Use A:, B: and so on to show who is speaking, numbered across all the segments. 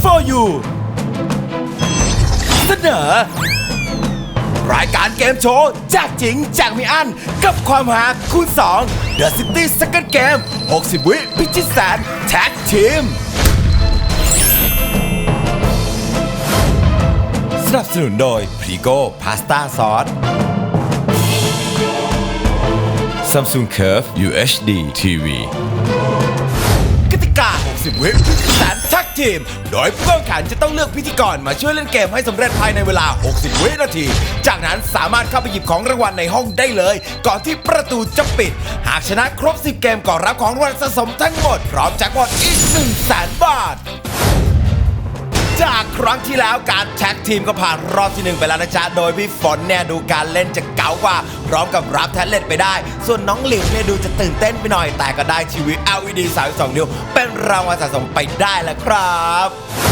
A: for you เสนอรายการเกมโชว์แจกจริงแจกไม่อั้นกับความหาคูณ2 The City Second Game 60 วิพิชิตแสนแท็กทีมสนับสนุนโดยพรีโก้พาสต้าซอส Samsung Curve UHD TV กติกา 60 วิพิชิตแสนแท็กทีมโดยผู้แข่งขันจะต้องเลือกพิธีกรมาช่วยเล่นเกมให้สำเร็จภายในเวลา 60 วินาทีจากนั้นสามารถเข้าไปหยิบของรางวัลในห้องได้เลยก่อนที่ประตูจะปิดหากชนะครบ 10 เกมก็รับของรางวัลสะสมทั้งหมดพร้อมแจ็คพอตอีก 100,000 บาทจากครั้งที่แล้วการแท็กทีมก็ผ่านรอบที่1ไปแล้วนะจ๊ะโดยพี่ฝนเนี่ยดูการเล่นจะเก๋ากว่าพร้อมกับรับแท็บเล็ตไปได้ส่วนน้องหลิวเนี่ยดูจะตื่นเต้นไปหน่อยแต่ก็ได้ทีวี LED 32 นิ้วเป็นรางวัลสะสมไปได้แล้วครับ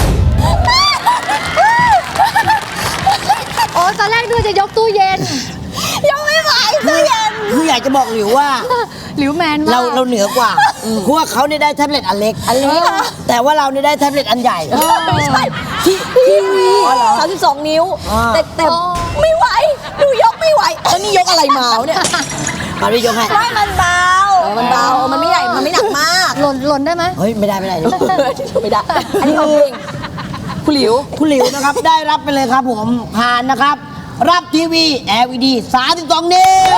B: โอ้ตอนแรกดูจะยกตู้เย็น
C: ยกไม่ไหวตู้เย็นคืออยากจะบอกหลิวว่า
B: หลิวแมนมาก
C: เราเหนือกว่าเพราะว่าเขาเนี่ยได้แท็บเล็ตอันเล็กแต่ว่าเราเนี่ยได้แท็บเล็ตอันใหญ่
D: ไม่ใช่ทีวี32 นิ้วแต่ไม่ไหวดูยกไม่ไหวนี่ยกอะไรมาเนี่ย
C: มาพี่ยกให้
D: มันเบามันไม่ใหญ่มันไม่หนักมาก
B: หล่นได้ไหม
C: เฮ้ยไม่ได้ไม่ได้
D: อันนี้ของจริงคุณห
C: ลิวนะครับได้รับไปเลยครับผมผ่านนะครับรับทีวี LED 32 นิ้ว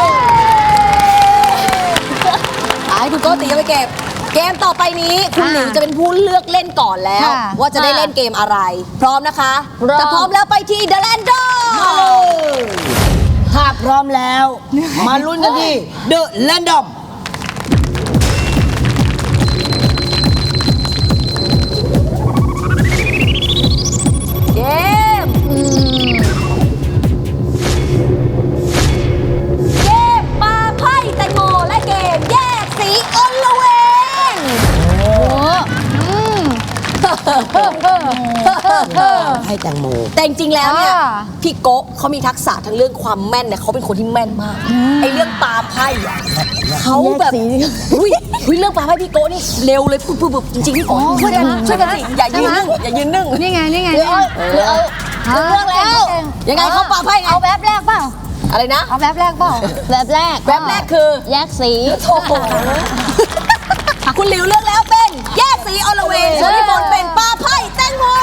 D: ให้คุณโก้ตีเอาไปเก็บเกมต่อไปนี้คุณหลิวจะเป็นผู้เลือกเล่นก่อนแล้วว่าจะได้เล่นเกมอะไรพร้อมนะคะถ้าพร้อมแล้วไปที่ The Random
C: ถ้าพร้อมแล้วมาลุ้นกันที่ The Random
D: เกมปาไพ่แตงโมและเกมแยกสีอลเวง
C: ให้แตงโม
D: แต่จริงๆแล้วเนี่ยพี่โกะเขามีทักษะทั้งเรื่องความแม่นเนี่ยเขาเป็นคนที่แม่นมากไอ้เรื่องปาไพ่เขาแบบอุ้ยเรื่องปาไพ่พี่โกะนี่เร็วเลยปุ๊บจริงๆพี่โกะช่วยกันอย่ายืนนึ่ง
B: นี่ไง
D: เรื่องแล้วยังไงเขาปาไพ่ไง
B: เอาแบบแรกเปล่า
D: อะไรนะ
B: เอาแบบแรกเปล่า
D: แบบแรกคือ
B: แยกสี
D: โอ้โหคุณหลิวเลือกแล้วเป็นแยกสีอลเวงส่วนพี่ฝนเป็นปาไพ่แตงโม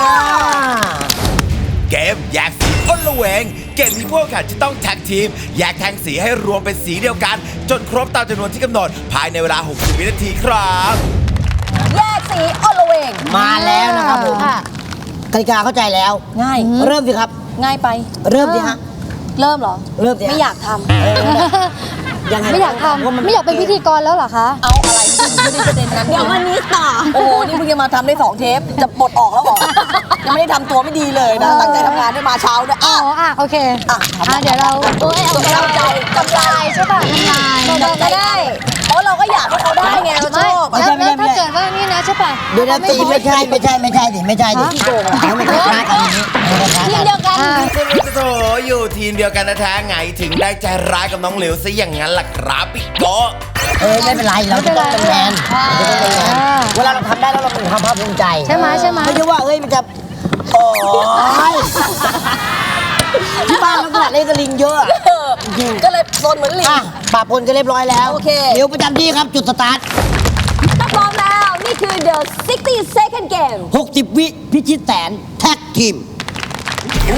A: เกมแยกสีอลเวงเกมที่พวกแข่งจะต้องแท็กทีมแยกแทงสีให้รวมเป็นสีเดียวกันจนครบตามจำนวนที่กำหนดภายในเวลา 60 วินาทีครับ
D: แยกสีอลเวง
C: มาแล้วนะครับผมกติกาเข้าใจแล้ว
D: ง่าย
C: เริ่มสิครับ
D: ง่ายไป
C: เริ่มสิฮะ
D: เริ่มเหรอ
C: เริ่มสิ
D: ไม่อยากทำ
B: ไม่อยากทำไม่อยากเป็นพิธีกรแล้วเหรอคะ
D: เอาอะไรไม่ได้ประเด็นนั้นเดี๋ยววันนี้ต่อโอ้โหนี่เพิ่งจะมาทำได้2 เทปจะปลดออกแล้วเหรอยังไม่ได้ทำตัวไม่ดีเลยนะตั้งใจทำงานด้วยมาเช้าด้วย
B: โอเคเดี๋ยวเรา
D: กำไร
B: ใช่ป่ะกำไร
D: ได้เพราะเราก็อยากให้เขาได้ไงเราชอบ
B: แล้วถ้าเกิดว่านี่นะใช่ป่ะ
C: เดี๋ยวตีไม่ใช่ดิไม่ใช่ดิไม่ใช่กันนี้
D: ทีมเดียวกัน
A: โถอยู่ทีมเดียวกันแท้ไงถึงได้ใจร้ายกับน้องหลิวซะอย่างนั้นล่ะครับพี่โก
C: ไม่เป็นไรเราจะต้องเป็นแมนเวลาเราทำได้แล้วเราเป็นความภาคภูมิใจ
B: ใช่ไหมไม่ใช่
C: ว่ามันจะโอ้ยที่บ้านลักษณะเล่นกระลิงเยอะ
D: ก็เลยโซนเหมือนลิง
C: ปะปนก็เรียบร้อยแล้ว
D: โอเค
C: เดี๋ยวประจำที่ครับจุดสตาร์ท
D: ถ้าพร้อมแล้วนี่คือ The 60 Second Game
C: 60 วิพิชิตแสนแท็กทีม
E: 3, 2,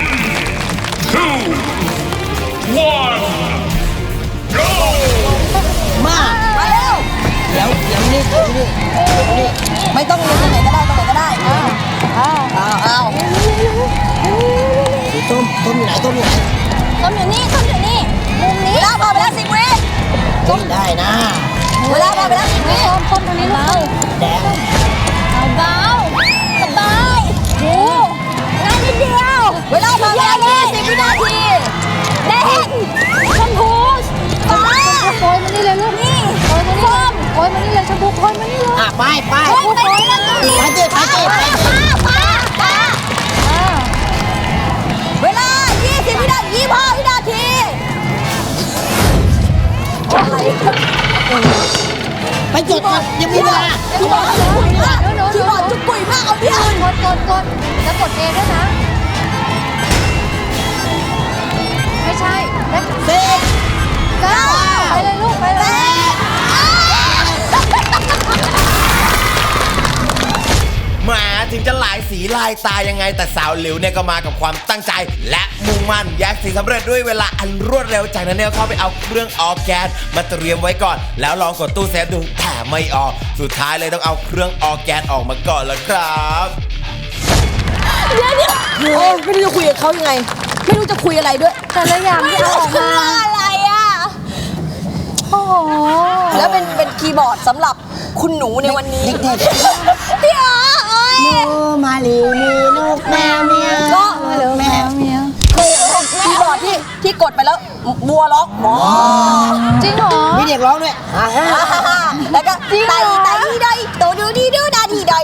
E: 1 go
C: มา
D: เร็ว
C: เดี๋ยวนี่
D: ไม่ต้องเล่นตรงไหนก็ได้เอา
C: ต้มอยู่ไหน
D: ต้มอยู่นี่มุมนี้เวลาพอไปแล้ว10 วิ
C: ได้นะ
D: เวลาพอไปแล้ว10 วิ
B: ต้มตรงนี้ลูก
C: แดง
D: เบาสบายโอ้ง่ายนิดเดียวเวลาพอไปแล้ว20 วินาทีแดงชมพูฟ้า
B: โอยมานี่เลยลูกนี่โอยมานี่เลยชมพูโอยมานี่เลย
C: ไป
D: เวลา20 วินาที25 วินาที
C: ไปจุดก่อนยังมีเวลา
D: พี่บอลจุกปุ๋ยมากเอาเดียว
B: ดเอด้วยนะ ไม่ใช่เลข
C: สิบ
B: เก้าไปเลยลูกไปเลย
A: แหมาถึงจะหลายสีลายตายังไงแต่สาวหลิวเนี่ยก็มากับความตั้งใจ และมุ่งมั่นแยกสีสำเร็จด้วยเวลาอันรวดเร็วจากนั้นเนี่ยเข้าไปเอาเครื่องออร์แกนมาเตรียมไว้ก่อน แล้วลองกดตู้เซฟดูแต่ไม่ออกสุดท้ายเลยต้องเอาเครื่องออร์แกนออกมาก่อนแล้วครับ
D: โอ้ไม่รู้จะคุยกับเขายังไง ไม่รู้จะคุยอะไรด้วย
B: แต่ละอย่างที่เอาออกมา
D: อะไรอ่ะ
B: โอ้โห
D: แล้วเป็นคีย์บอร์ดสำหรับคุณหนูในวันนี้
C: เด็ก
D: พี่อ๋อโอ้ย
C: ๆนูมาลีมีนกแมวเมียว
D: ก็
B: เร็วแมวเมียว
D: เคยเห็นคีย์บอร์ดที่กดไปแล้วบัวล็อกหมอ
B: จริงเหรอ
C: มีเด็กร้องด้วยอ่าฮะ
D: แล้วก็ไต่ไดโตดูดีดูดาดีดอย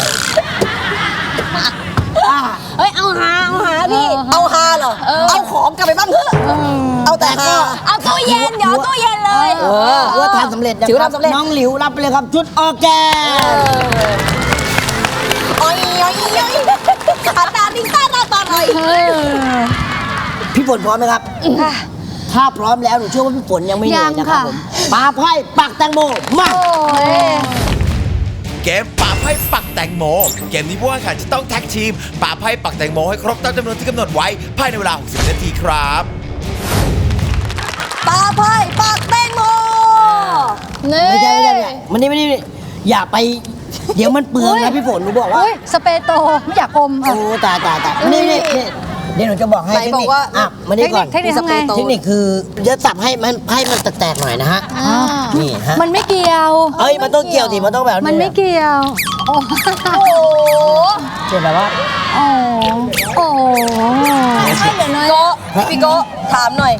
C: อ่า
D: เฮ้ยเอาหาพี่เอาหาเหรอเอาของกลับไปบ้างเถอะเอาแต่หาเอาตู้เย็นเดี๋ยวตู้เย็นเลย
C: ว่าทำสำเร็จนะ
D: ถือ
C: ครั
D: ว่าทำสำเร็จ
C: น้องหลิวรับไปเลยครับชุดออร์แกน
D: อ้อยขาตาดิ้งตาตาหน่อย
C: พี่ฝนพร้อมไหมครับ ถ้าพร้อมแล้วหนูเชื่อว่าพี่ฝนยังไม่เหนื่อยนะครับผมปาไพ่ปักแตงโมมา
B: โอ้ย
A: เกมป่าไพ่ปักแตงโมเกมนี้ผู้แข่งขันจะต้องแท็กทีมป่าไพ่ปักแตงโมให้ครบตามจำนวนที่กำหนดไว้ภายในเวลา 60 นาทีครับ
D: ปลาไพ่ปากแตงโม
B: นี่
C: ไม่ใช่มันนี่อย่าไป เดี๋ยวมันเปลืองนะพี่ฝนหนูบอกว่า
B: อุ้ยสเปรย์โตไม่อยากอม
C: โอ้
B: อ่ะ
C: ตายนี่เดี๋ยวหนูจะบอกให้
D: ไหน
C: เทค
D: บอ
C: นิ
D: ก
C: ค
D: ว่า
C: อ่ะมานี่ก่อน
B: เทคนิคทำไง
C: เทคนิคคือจะสับให้มันแตกๆหน่อยนะฮะ
B: อ่า
C: นี่ฮะ
B: มันไม่เกี่ยว
C: เอ้ยมันต้องเกี่ยวสิมันต้องแบบ
B: มันไม่เกี่ยว โอ้
D: โอ้โห
C: เช่นแบบว่า
B: โอ้โอ้
D: ให้เดี๋ยวหน่อยพี่โกถามหน่อย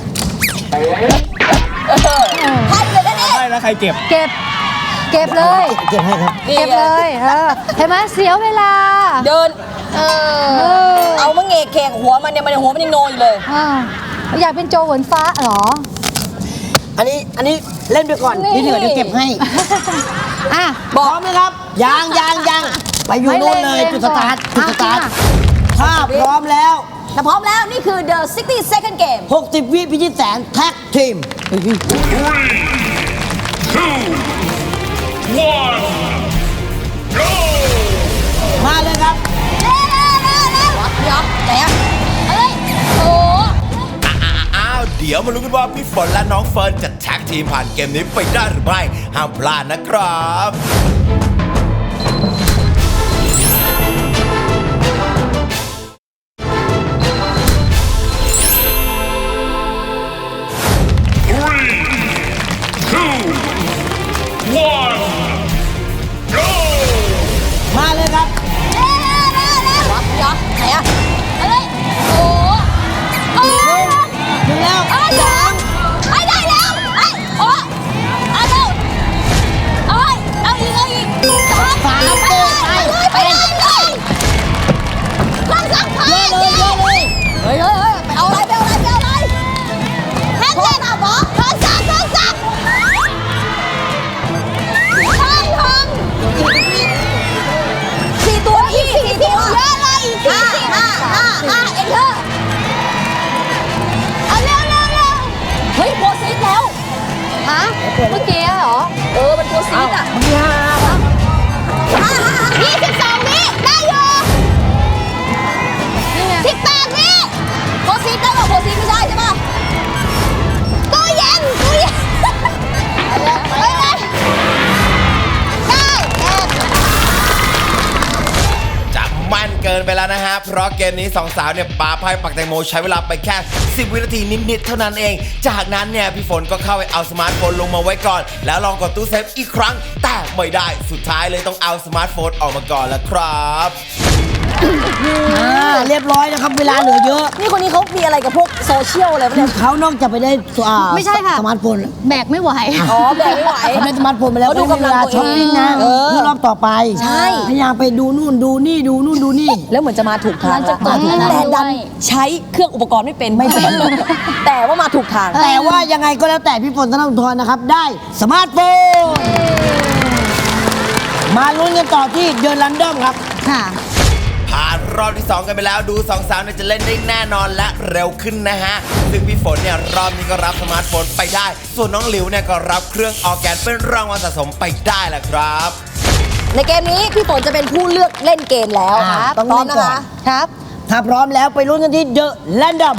D: ให้เลยนะเนี่ย
B: เก็บเลย
C: เก็บให้ครับ
B: เก็บเลยเห็นไหมเสียเวลา
D: เดิน
B: เออ
D: เอามะเงกแขกหัวมันเนี่ยหัวมันยังโนอยู่เลย
B: อ่าอยากเป็นโจเหวนฟ้าเหรอ
C: อันนี้เล่นไปก่อนที่เหลือเดี๋ยวเก็บให้
B: อ่ะ
C: พร้อมไหมครับยังไปอยู่โน่นเลยจุดสตาร์ท ถ้าพร้อมแล้ว
D: แต่พร้อมแล้วนี่คือ the 60 second game
C: 60 วิพิชิตแสนแท็กทีม
E: 3, 2, 1, go!
C: มาเลยครับ
D: เร็วเดี๋ยวไหนอะเฮ้ยโอ้
A: อ้าวเดี๋ยวมาลุ้นกันว่าพี่ฝนและน้องเฟิร์นจะแท็กทีมผ่านเกมนี้ไปได้หรือไม่ห้ามพลาดนะครับ
E: 3, 2, 1, go!
C: มาเลยครับ
D: เดี๋ยวไหนอะเฮ้ยโอ้โอ้
C: ถึงแล้ว
D: เอายังไอ้ได้แล้วไอ้โอ้เอาเร็วเอาอีก
C: สาม
D: ไปเลยลองสักพัก
C: เยอะเลย
D: เฮ้ยไปเอาอะไรแฮนด์เล่นอ่ะหมอทองสักทองสี่ตัวพี่สี่ตัวเยอะเลยห้าเอ็นเตอร์เอาเร็วเฮ้ยโพสิตแล้ว
B: ฮะเมื่อกี้เหรอ
D: มันโพสิตอ่ะ
C: มึงยา
D: 22 วิได้อยู่
B: นี่ไง
D: 18 วิโพสิตได้ป่ะโพสิตไม่ใช่ใช่ป่ะตู้เย็นไปเลยได้
A: จะมั่นเกินไปแล้วนะฮะ เพราะเกมนี้สองสาวเนี่ยปาไพ่ปักแตงโมใช้เวลาไปแค่ 10 วินาทีนิดๆเท่านั้นเอง จากนั้นเนี่ยพี่ฝนก็เข้าไปเอาสมาร์ทโฟนลงมาไว้ก่อน แล้วลองกดตู้เซฟอีกครั้ง แต่ไม่ได้ สุดท้ายเลยต้องเอาสมาร์ทโฟนออกมาก่อนแล้วครับ
C: เรียบร้อยนะครับ เวลาเหลือเยอะ
D: นี่คนนี้เขามีอะไรกับพวกโซเชียลอะไรปะเนี่ย
C: เขานอกจากไปได้
B: ไม่ใช่ค่ะ
C: สมาร์ทโฟน
B: แบกไม่ไหว
D: อ๋อแบกไม่ไหว
C: เขาได้สมาร์ทโฟนไปแล้ว
D: เขาดู
C: ไม่มีเวลาก
D: ำลังตัวเอง
C: ช้อปปิ้งนะ
D: เออ
C: เพื่อรอบต่อไป
D: ใช่
C: พยายามไปดูนู่นดูนี่ดูนู่นดูนี่
D: แล้วเหมือนจะมาถูกทาง
B: มันจะกด
D: แต่ดันใช้เครื่องอุปกรณ์ไม่เป็น แต่ว่ามาถูกทาง
C: แต่ว่ายังไงก็แล้วแต่พี่ฝนธนทรนะครับ ได้สมาร์ทโฟน มาลุ้นกันต่อที่เดือนรันดอมครับ
B: ค่ะ
A: ภารรอบที่ 2 กันไปแล้วดูสองสาวเนี่ยจะเล่นได้แน่นอนและเร็วขึ้นนะฮะซึ่งพี่ฝนเนี่ยรอบนี้ก็รับสมาร์ทโฟนไปได้ส่วนน้องหลิวเนี่ยก็รับเครื่องออร์แกนเป็นรางวัลสะสมไปได้แหละครับ
D: ในเกมนี้พี่ฝนจะเป็นผู้เลือกเล่นเกมแล้ว
C: ครับ
D: พร้อมนะคะ
B: ครับ
C: ถ้าพร้อมแล้วไปลุ้นกันที่ The Random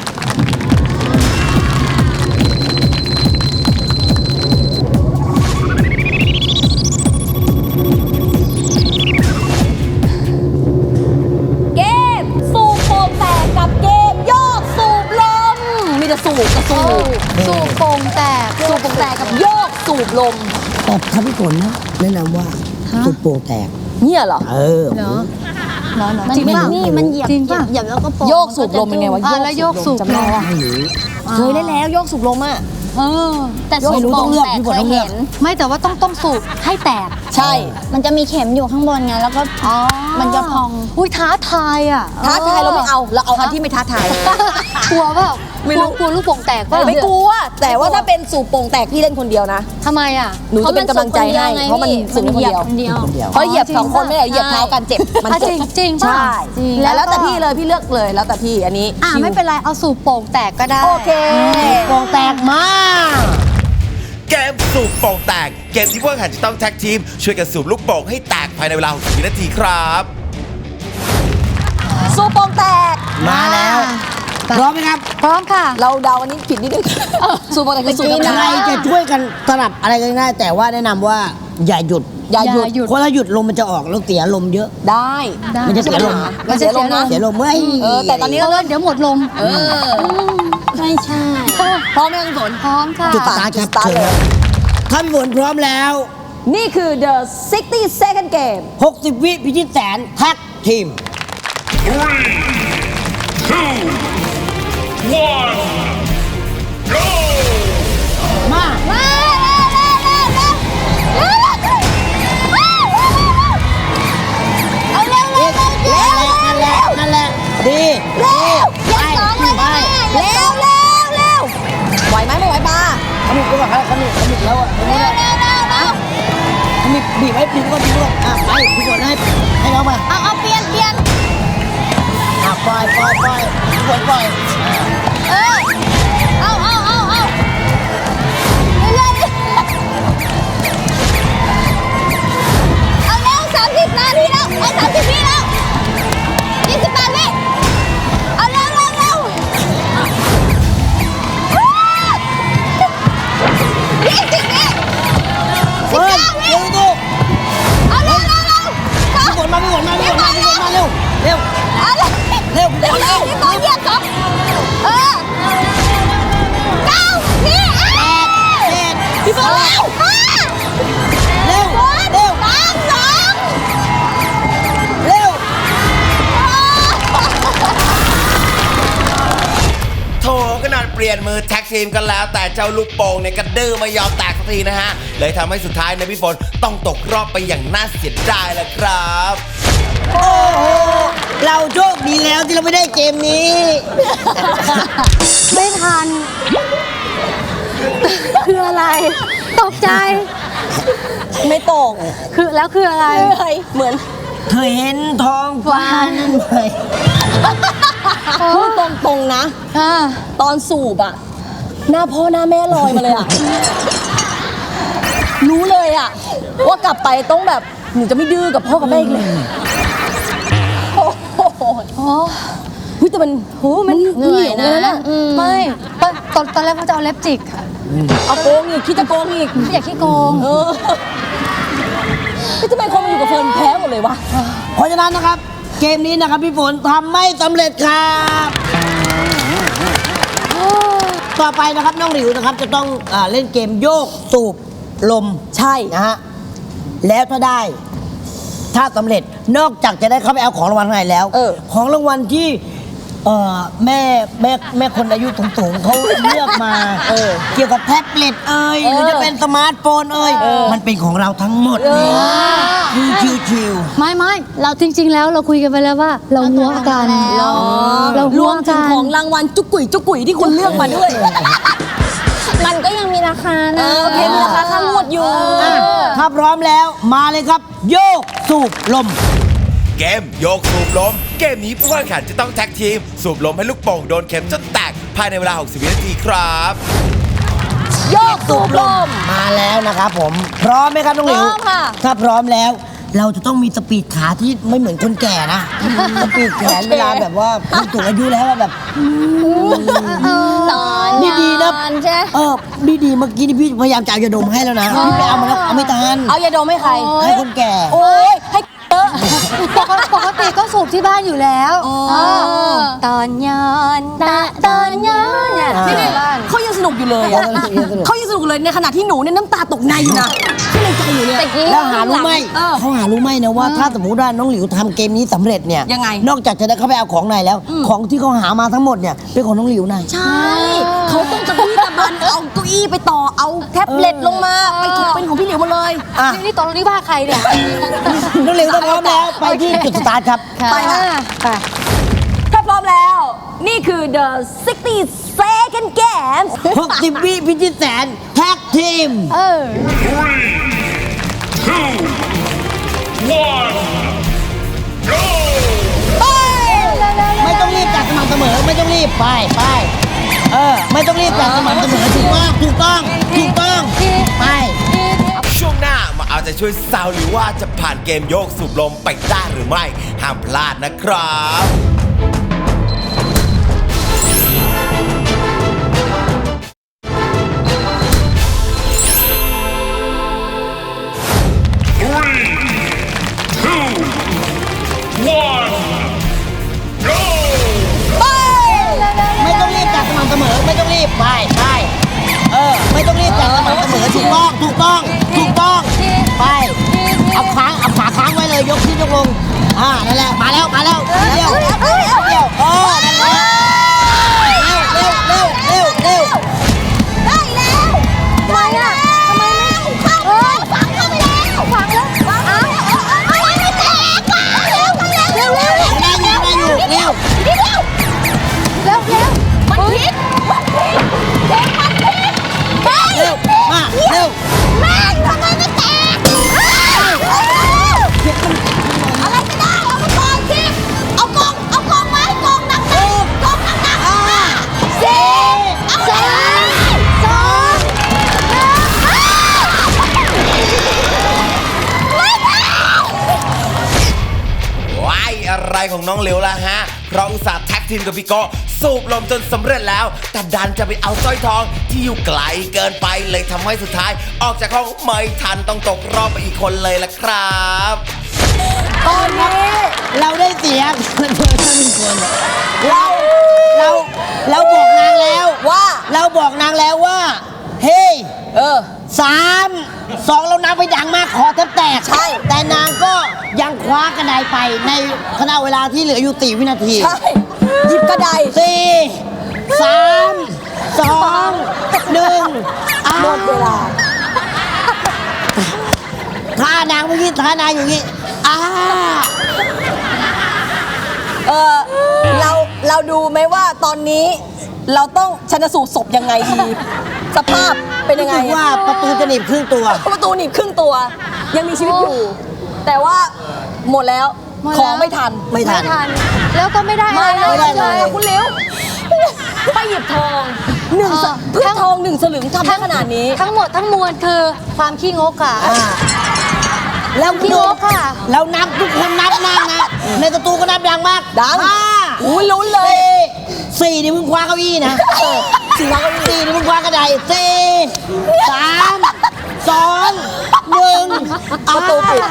D: เกมสูบโป่งแตกกับเกมโยกสูบลมมีแต่สูบกับสูบ
B: สูบโป่งแตก
D: สูบโป่งแตกกับโยกสูบลม
C: แต่ถ้าพี่ฝนนะแนะนำว่าสุดโป่งแตก
D: เนี่ยเหรอ
C: เออ
B: เหรอเหรอ
F: มัน
B: จริง
F: เป็น
B: ป่ะ
F: นี่มันเหยียบ
B: จริงป่ะ
F: เหยียบแล้วก็โป่ง
D: โยกสูบลมเป็นไงวะ
B: แล้วโยกสูบ
D: จำได้
B: ลม
D: ว่า
C: ไม่รู้
D: เคยได้แล้วโยกสูบลมอ่ะ
B: เออ
F: แต่สูบ
C: ไม่รู้
F: โป่
C: ต้อง
F: ง
C: เลือก
F: แตก
C: พี่ฝ
F: เคน ย
C: ต้องเลือก
F: เห็น
B: ไม่แต่ว่าต้องสูบให้แตก
D: ใช่
F: มันจะมีเข็มอยู่ข้างบนไงแล้วก็มันจะพอง
B: อุ้ยท้าทายอ่ะ
D: ท้าทายเราไม่เอาเราเอาอันที่ไม่ท้าทาย
B: กลัวเปล่า
D: ไม่รู้
B: กลัวลูกโป่งแตกเปล่า
D: ไม่กลัวแต่ว่าถ้าเป็นสูบโป่งแตกพี่เล่นคนเดียวนะ
B: ทำไมอ่ะ
D: หนูจะเป็นกำลังใจให้เพราะมันสูบคนเดียว
F: คนเดียว
C: คนเดียว
D: เพราะเหยียบสองคนไม่ได้เหยียบเท้ากันเจ็บมัน
B: อ่ะ
D: เจ็บ
B: จริงป่ะ
D: ใช่
B: จริง
D: แล้วแต่พี่เลยพี่เลือกเลยแล้วแต่พี่อันนี้
B: อ่ะ
D: ชิว
B: ไม่เป็นไรเอาสูบโป่งแตกก็ได้
D: โอเค
C: โป่งแตกมาก
A: เกมสูบโป่งแตกเกมที่พวกแข่งจะต้องแท็กทีมช่วยกันสูบลูกโป่งให้แตกภายในเวลา60 นาทีครับ
D: สูบโป่งแตก
C: มาแล้วพร้อมไหมครับ
B: พร้อมค่ะ
D: เราเดาอันนี้ผิดนิดนึงสูบโป่งแตกคือสูบธรรม
C: ใคร
D: ดา
C: จะช่วยกันสลับอะไรกันได้แต่ว่าแนะนำว่าอย่าหยุด
D: อย่าหยุด
B: อย่าหยุด
C: คนละหยุดลมมันจะออกแล้วเสียลมเยอะ
D: ได้
B: ได้
C: มันจะเสียลม
D: มันเสียลมนะ
C: เสียลมเว้ย
D: แต่ตอนนี้
B: เพราะว่าเดี๋ยวหมดลม
F: ไม่ใช่
D: พร้อมไหมคุณฝน
B: พร้อมค่ะ
C: จุดสตาร์ทครับ
D: จุดสตาร์ท
C: เชิญ
D: เลย
C: ท่านฝนพร้อมแล้ว
D: นี่คือ the 60 second game
C: 60 วิพิชิตแสนแท็กทีม
E: 3, 2, 1, go!
C: มา
F: เอาเร็วเร็วเร็ว
C: นั่นแหละนั่นแหละดีดีไปไป
D: เร็วเร็วเร็วไหวไหมไม่ไหวปลา
C: ขมิบก็แบบขมิบแล้วอ่ะ
F: เร็วเร็วเร็วเร็ว
C: ขมิบบีบไว้บีบก็บีบก็อ่ะไปพี่ฝนให้น้องมา
F: เอาเปลี่ยน
C: อ่ะปล่อยพี่ฝนปล่อย
F: เอาเรื่อยๆเอาเร็ว30 นาทีแล้วเอา30 วิแล้ว28 วิเอาเร็วเร็วเร็ว20 วิ
C: เฮ้ยเร็วดู
F: เอาเร็วเร็วเร็ว
C: พี่ฝนมาเร็วเร็ว
F: เอาเร็ว
C: เร็ว
F: เร็วเร็วพี่ต่อเหยียบสอง9 วิพี่บอลเร็ว
C: เร็ว
F: 5
C: เร็ว
F: 3 2
C: เร็ว
A: โถขนาดเปลี่ยนมือแท็กทีมกันแล้ว แต่เจ้าลูกโป่งเนี่ยกระดื้อไม่ยอมแตกสักทีนะฮะ เลยทำให้สุดท้ายในยพี่ฝนต้องตกรอบไปอย่างน่าเสียดายแหละครับ
C: โอ้โหเราโชคดีแล้วที่เราไม่ได้เกมนี้
B: ไม่ทัน คืออะไร ตกใจ
D: ไม่ตก
B: คือแล้วคืออะไร
D: เหมือน
C: เคยเห็นท้องฟ้านั้นไหม
D: พูดตรงๆนะ
B: อ่า
D: ตอนสูบอะหน้าพ่อหน้าแม่ลอยมาเลยอะรู้เลยอะว่ากลับไปต้องแบบหนูจะไม่ดื้อกับพ่อกับแม่อีกเลยโอ้โห
B: โอ้
D: เฮ้ยแต่มันโหมัน
F: เหนื่อยนะ
D: เหวะ
B: ไม่ตอนแรกเขาจะเอาเล็บจิกค่ะ
D: เอาโกงอีกคิดจะโกงอีก
B: ไม่อยากขี้โกง
D: เออทำไมคนมาอยู่กับเฟิร์นแพ้หมดเลยวะ
C: เพราะฉะนั้นนะครับ เกมนี้นะครับพี่ฝนทำไม่สำเร็จครับต่อไปนะครับน้องหลิวนะครับจะต้องเล่นเกมโยกสูบลม
D: ใช่
C: นะฮะแล้วถ้าสำเร็จนอกจากจะได้เข้าไปเอาของรางวัลข้างในแล้ว ของรางวัลที่แม่คนอายุสูงๆเขาเลือกมาเกี่ยวกับแท็บเล็ตหรือจะเป็นสมาร์ทโฟนมันเป็นของเราทั้งหมดเลยคือชิว
B: ไม่เราจริง ๆ แล้วเราคุยกันไปแล้วว่า เราหัวกัน เรา
D: ร
B: หั
D: ว
B: ว
D: มถึ
B: กั
D: ง
B: น
D: ของรางวัลจุกกุ๋ยที่คุณเลือกมาด้วย
F: มันก็ยังมีราคานะ
D: โอเคมีราคาค่างวดอยู่
C: ถ้าพร้อมแล้วมาเลยครับ โยกสูบลม
A: เกมโยกสูบลมเกมนี้ผู้แข่งขันจะต้องแท็กทีมสูบลมให้ลูกโป่งโดนเข็มจนแตกภายในเวลา 60 วินาทีครับ
D: โยกสูบลม
C: มาแล้วนะครับผม พร้อมไหมครับน้องหลิว
D: พร้อมค่ะ
C: ถ้าพร้อมแล้ว เราจะต้องมีสปีดขาที่ไม่เหมือนคนแก่นะ สปีดแขนเวลาแบบว่าคนสูงอายุแล้วอะแบบ
F: ตอน
C: ดีๆนะ
F: ใช่
C: ดีๆเมื่อกี้นี่พี่พยายามจะเอายาดมให้แล้วนะพี่ไปเอามาแล้วเอาไม่ทัน
D: เอายาดมให้ใคร
C: ให้คนแก่
D: โอ้ยให้เยอะ
B: ปกติก็สูบที่บ้านอยู่แล้ว
F: ตอนย้อนตอนย้อนเนี่ย
C: อ่า
D: นี่เขายังสนุกอยู่เลยอะ
C: ยังสนุก
D: เขายังสนุกเลยในขณะที่หนูเนี่ยน้ำตาตกในอยู่นะที่ในใจอยู่เนี่ย
F: ตะกี้
C: แล้วหารู้ไหม
D: เออ
C: เขาหารู้ไหมนะว่าถ้าสมมติว่าน้องหลิวทำเกมนี้สำเร็จเนี่ย
D: ยังไง
C: นอกจากจะได้เข้าไปเอาของในแล้ว ของที่เขาหามาทั้งหมดเนี่ยเป็นของน้องหลิวนะ
D: ใช่ เขาต้องตะบี้ตะบันเอาเก้าอี้ไปต่อเอาแท็บเล็ตลงมาไปถูกเป็นของพี่เหลียวหมดเลย
C: อ่ะ
B: นี่ตอนนี้ว่าใครเนี่ย
C: น้องหลิวถ้าพร้อมแล้วไปที่จุดสตาร์ทครับ
D: ไปค่ะ
B: ไป
D: ถ้าพร้อมแล้ว นี่คือ the 60 second games
C: 60 วิพิชิตแสนแท็กทีม ไม่ต้องรีบจัดสม่ำเสมอ ไม่ต้องรีบไปไม่ต้องรีบจัดสม่ำเสมอถูกต้องไป
A: ช่วงหน้ามาเอาใจช่วยสาวหรือว่าจะผ่านเกมโยกสูบลมไปได้หรือไม่ห้ามพลาดนะครับ
C: ไม่ต้องรีบจัดสม่ำเสมอ ไม่ต้องรีบไปไม่ต้องรีบจัดสม่ำเสมอถูกต้องไปเอาขาค้างไว้เลยยกขึ้นยกลงนั่นแหละมาแล้วเร็วนั่นแหละเร็ว
F: ได้แล้วทำไมอ่ะทำไมไม่เข้าฝังเข้าไปแล้วฝังแล้วเอาไม่แตกเร็ว
C: ได้อยู่เร็ว
F: มันพิษเด็กมันพิษ
C: เร็วมาเร็ว
F: แม่ทำไมไม่แตกอะไรก็ได้เอามาก่อนสิเอากองไว้กองหนักสี่สามสอง
A: ว้ายอะไรของน้องเหลวล่ะฮะ เพราะอุตส่าห์แท็กทีมกับพี่โกสูบลมจนสำเร็จแล้ว แต่ดันจะไปเอาสร้อยทองที่อยู่ไกลเกินไปเลยทำให้สุดท้าย ออกจากห้องไม่ทันต้องตกรอบไปอีกคนเลยล่ะครับ
C: ตอนนี้เราได้เสียคนเดียวท่านคนเราบอกนางแล้วว่าเฮ้ย 3 2เรานับไปดังมากคอแทบแตก
D: ใช่
C: แต่นางก็ยังคว้ากระไดไปในขณะเวลาที่เหลืออยู่4 วินาที
D: ใช่หยิบกระได
C: 4 3 2 1
D: หมดเวลา
C: ท่านางเมื่อกี้ท่านางอยู่อย่างนี้
D: เราดูไหมว่าตอนนี้เราต้องชันสูตรศพยังไงดี สภาพเป็นยังไง
C: รู้สึกว่าประตูจะหนีบครึ่งตัว
D: ประตูหนีบครึ่งตัว ยังมีชีวิตอยู่ แต่ว่าหมดแล้ว
B: หมดแล้ว
D: ของไม่ทัน
C: ไม่ทัน
B: แล้วก็ไม่ได้อะไร
C: ไม่ได้เลย
D: คุณเลี้ยวไปหยิบทองเพื่อทอง1 สลึงทำได้ขนาดนี้
B: ทั้งหมดทั้งมวลคือความขี้งกค่ะ
C: แล้ว
B: พี่นกค่ะ
C: เรานับทุกคนนับนั่งนะ ในประตูก็นับดังมาก
D: ดัง
C: 5
D: อุ้ยลุ้นเลย
C: 4นี่มึงคว้าเก้าอี้นะ
D: สี่ล้านก็มี
C: 4นี่มึงคว้ากระได4 3 2 1
D: ประตูปิด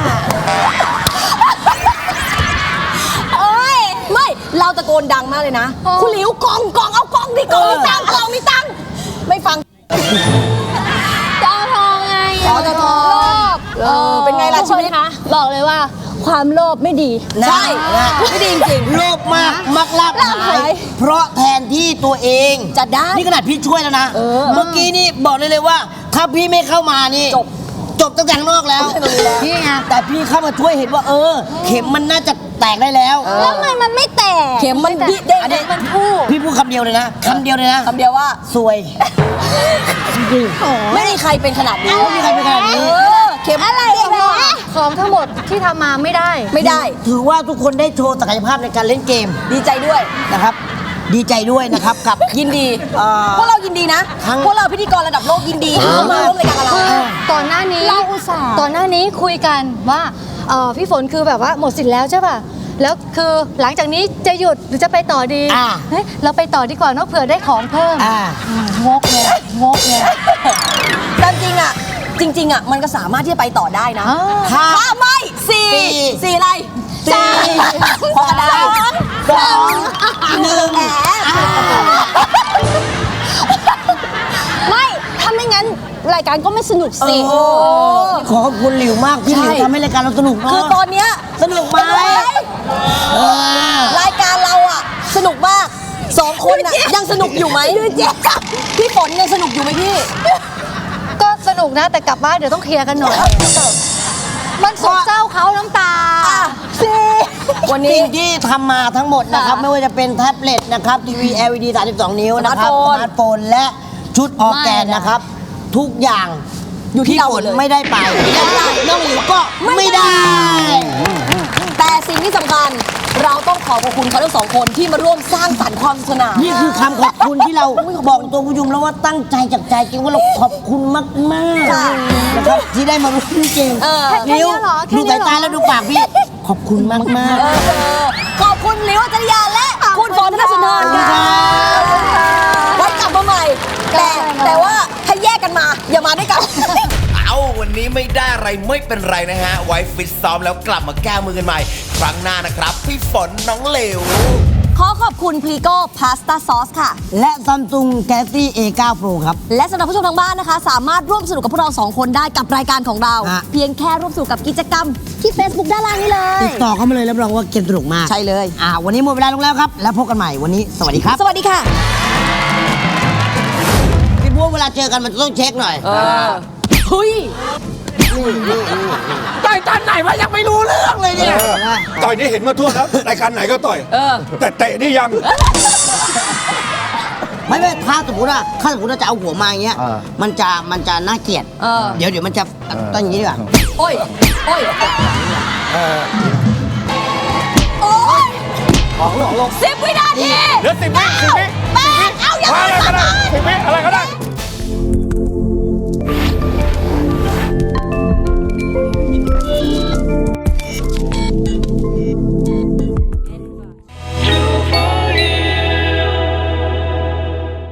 D: โอ้ยไม่เราตะโกนดังมากเลยนะ คุณหลิวกองเอากองดิกองมีตังค์ไม่ฟัง
F: จะเอาทองไง
D: อ๋อจะทอง เป็นไงล่ะชีวิต
F: บอกเลยว่าความโลภไม่ดี
C: นะ
D: ใช่
C: นะ
D: ไม่ดีจริง
C: โลภมากมักลาบ
D: ลาภ
C: หาย
D: หาย
C: เพราะแทนที่ตัวเอง
D: จะได้
C: นี่ขนาดพี่ช่วยแล้วนะ เมื่อกี้นี่บอกเลยว่า ถ้าพี่ไม่เข้ามานี่ จบตั้งแต่ข้างนอกแล้ว
B: นี่ไง
C: แต่พี่เข้ามาช่วยเห็นว่าเข็มมันน่าจะแตกได้แล้ว
F: แล้วมันไม่แตก
D: เข็มมันดิเด้ง
C: อันนี้พี่พูดคำเดียวเลยนะคำเดียวว่า ซวย
D: ไม่มีใครเป็นขนาดนี้
C: ไม่มีใครเป็นขนาดนี้
D: เออเข็มอะไร
B: ของทั้งหมดที่ทำมาไม่ได้
D: ไม่ได้
C: ถือว่าทุกคนได้โชว์ศักยภาพในการเล่นเกม
D: ดีใจด้วย
C: นะครับ ดีใจด้วยนะครับกับ
D: ยินดี
C: ๆ
D: พวกเรายินดีนะ
C: ทั้ง
D: พวกเราพิธีกรระดับโลกยินดีที่เขามาร่วมรายการกับเรา
B: ก่อนหน้านี้
F: เราอุตส่าห์
B: ก่อนหน้านี้คุยกันว่าพี่ฝนคือแบบว่าหมดสิทธิ์แล้วใช่ป่ะแล้วคือหลังจากนี้จะหยุดหรือจะไปต่อดี
C: อ่า
B: เฮ้ยเราไปต่อดีกว่าเนอะเผื่อได้ของเพิ่ม
C: อ่า
B: งกเลยงกเลย
D: ตามจริงอ่ะ จริง ๆอ่ะมันก็สามารถที่จะไปต่อได้นะ
B: อ้าว
C: ถ้า
D: ถ้าไม่สี่อะไร
C: สี่
D: พอกันได้
C: สองหนึ่ง
D: แหม
F: ไม่ถ้าไม่งั้นรายการก็ไม่สนุกสิ
C: ขอขอบคุณหลิวมากที่หลิวทำให้รายการเราสนุกเนาะ
D: คือตอนเนี้ย
C: สนุกไหมเออ
D: รายการเราอ่ะสนุกมากสองคนน่ะยังสนุกอยู่ไหมพี่ฝนยังสนุกอยู่ไหมพี่
B: ก็สนุกนะแต่กลับบ้านเดี๋ยวต้องเคลียร์กันหน่อย มันโศกเศร้าเขาน้ำตา
D: วันนี้
C: สิ่งที่ทำมาทั้งหมดนะครับ ไม่ว่าจะเป็นแท็บเล็ตนะครับทีวี LED 32 นิ้วนะครับ
D: ส
C: ส
D: มา
C: มา
D: ร์
C: ร์
D: ท
C: ท
D: โฟ
C: โฟ
D: น
C: นและชุดออร์แกนนะครับ ทุกอย่าง
D: อยู่ที่เรา
C: ฝ
D: หม
C: น
D: ดเลย
C: ไม่ได้ไปและน้องหลิวก็ไม่ได้
D: แต่สิ่งที่สำคัญเราต้องขอบคุณเขาทั้งสองคนที่มาร่วมสร้างสรรค์ความสนุกสนาน
C: นี่คือคำขอบคุณที่เราบอกตัวผู้ชมแล้วว่าตั้งใจจากใจจริงว่าเราขอบคุณมากๆนะครับที่ได้มาร่วมเกม
B: แค่นี้
C: นิ้ว
B: เหรอแค่
C: ดู
B: นี้
C: สาย
B: เหรอ
C: ตาแล้วดูปากพี่ขอบคุณมาก
D: ขอบคุณลิวจริยาและคุณฝนธนสุนทรค่ะไว้กลับมาใหม่ แต่ว่าถ้าแยกกันมาอย่ามาด้วยกัน
A: เอาวันนี้ไม่ได้อะไรไม่เป็นไรนะฮะ ไว้ฟิตซ้อมแล้วกลับมาแก้มือกันใหม่ ครั้งหน้านะครับ พี่ฝนน้องเหลว
D: ขอขอบคุณพลีโก้พาสต้าซอสค่ะ
C: ๆ และ Samsung Galaxy A9 Pro ครับ
D: และสำหรับผู้ชมทางบ้านนะคะ สามารถร่วมสนุกกับพวกเราสองคนได้กับรายการของเรา
C: ฮะ
D: เพียงแค่ร่วมสนุกกับกิจกรรมที่ Facebook ด้านล่างนี้เล
C: ติ
D: ย
C: ดต่อเข้ามาเลยรับรองว่าเกมสนุกมาก
D: ใช่เลย
C: วันนี้หมดเวลาลงแล้วครับ แล้วพบกันใหม่วันนี้สวัสดีครับ
D: สวัสดีค่ะ
C: พี่บัวเวลาเจอกันมันจะต้องเช็คหน่อย
D: เฮ้ย
E: ต่อยตอนไหนวะยังไม่รู้เรื่องเลยเนี่ย ต่อยนี่เห็นมาทั่วแล้วรายการไหนก็ต่อย แต่เตะนี่ยัง
C: ไม่ถ้าสมมติว่าจะเอาหัวมาอย่างเงี้ยมันจะน่าเกลียด เดี๋ยวมันจะต้องอย่างนี้ดีกว่า
D: โอ้ย โอ้ย โอ้ย10 วินาที
E: เหลือ10 วิ
D: แปดเอาอย่าง
E: อะไร
D: นี้
E: ก็ได้10 วิอะไรก็ได้